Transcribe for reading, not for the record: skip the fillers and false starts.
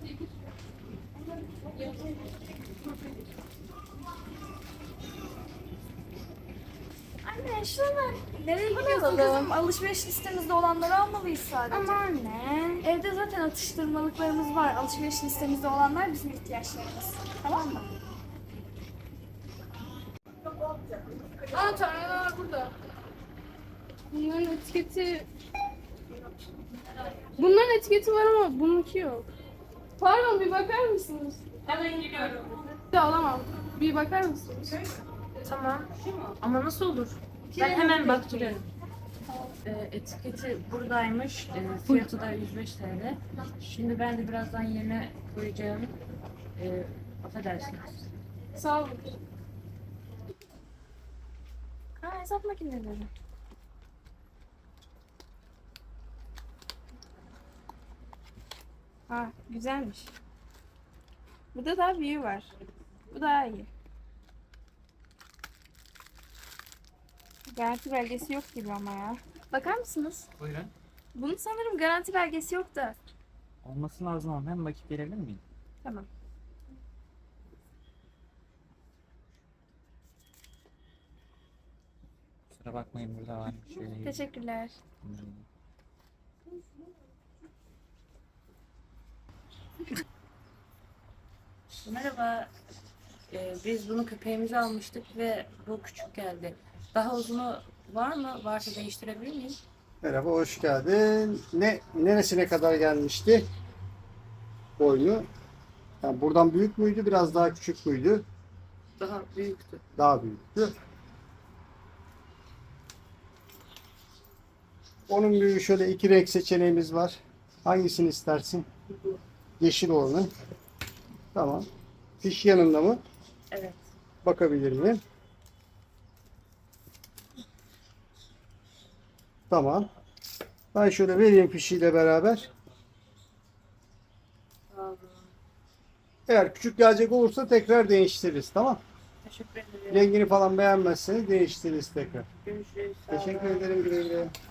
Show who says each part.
Speaker 1: Anne şunlar nereye gidiyorsun kızım? Alışveriş listemizde olanları almalıyız sadece.
Speaker 2: Ama anne.
Speaker 1: Evde zaten atıştırmalıklarımız var. Alışveriş listemizde olanlar bizim ihtiyaçlarımız. Tamam mı?
Speaker 2: Aa, tarhanalar burada. Bunların etiketi... Bunların etiketi var ama bununki yok. Pardon, bir bakar mısınız?
Speaker 3: Hemen geliyorum.
Speaker 2: Bir de alamam. Bir bakar mısınız?
Speaker 3: Tamam. Ama nasıl olur? Ben hemen baktırıyorum. Etiketi buradaymış. Fiyatı da 105 TL. Şimdi ben de birazdan yerine koyacağım. Affedersiniz.
Speaker 2: Sağ olun.
Speaker 1: Hesap makineleri. Güzelmiş. Burada daha büyüğü var. Bu daha iyi. Garanti belgesi yok gibi ama ya. Bakar mısınız?
Speaker 4: Buyurun.
Speaker 1: Bunun sanırım garanti belgesi yok da.
Speaker 4: Olması lazım ama hem bakıp gelebilir miyim?
Speaker 1: Tamam.
Speaker 4: Kusura bakmayın burada var. Şöyle
Speaker 1: Teşekkürler.
Speaker 3: Merhaba. Biz bunu köpeğimize almıştık ve bu küçük geldi. Daha uzunu var mı? Varsa değiştirebilir miyim?
Speaker 5: Merhaba, hoş geldin. Neresine kadar gelmişti boynu? Yani buradan büyük müydü, biraz daha küçük müydü?
Speaker 3: Daha büyüktü.
Speaker 5: Daha büyüktü. Onun büyüğü şöyle iki renk seçeneğimiz var. Hangisini istersin? Yeşil olanı. Tamam. Fiş yanında mı?
Speaker 3: Evet.
Speaker 5: Bakabilir miyim? Tamam. Ben şöyle vereyim fişiyle beraber.
Speaker 3: Sağ olun.
Speaker 5: Eğer küçük gelecek olursa tekrar değiştiririz. Tamam.
Speaker 3: Teşekkür ederim.
Speaker 5: Rengini falan beğenmezseniz değiştiririz tekrar.
Speaker 3: Görüşürüz. Sağ olun.
Speaker 5: Teşekkür ederim, güle güle.